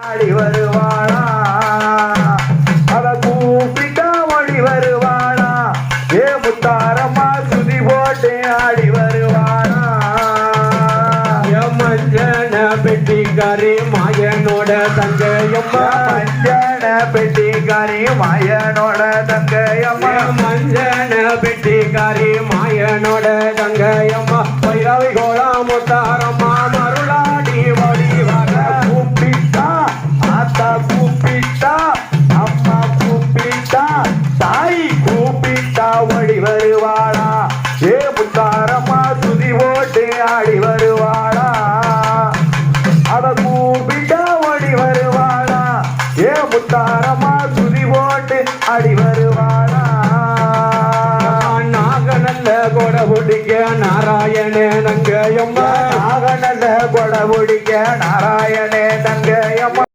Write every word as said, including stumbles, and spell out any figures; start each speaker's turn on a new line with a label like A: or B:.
A: ஆடி வருவாளா அத கூப்பிட்டா ஓடி வருவாளா ஏ முத்தாரம்மா சுதி போட்டு ஆடி வருவாளா
B: மஞ்சன பெட்டிக்காரி மாயனோட தங்கையம்மா
A: மஞ்சன பெட்டிக்காரி மாயனோட தங்கையம்மா
B: மஞ்சன பெட்டிக்காரி மாயனோட தங்கையம்மா பைரவி கோலா முத்தாரம்மா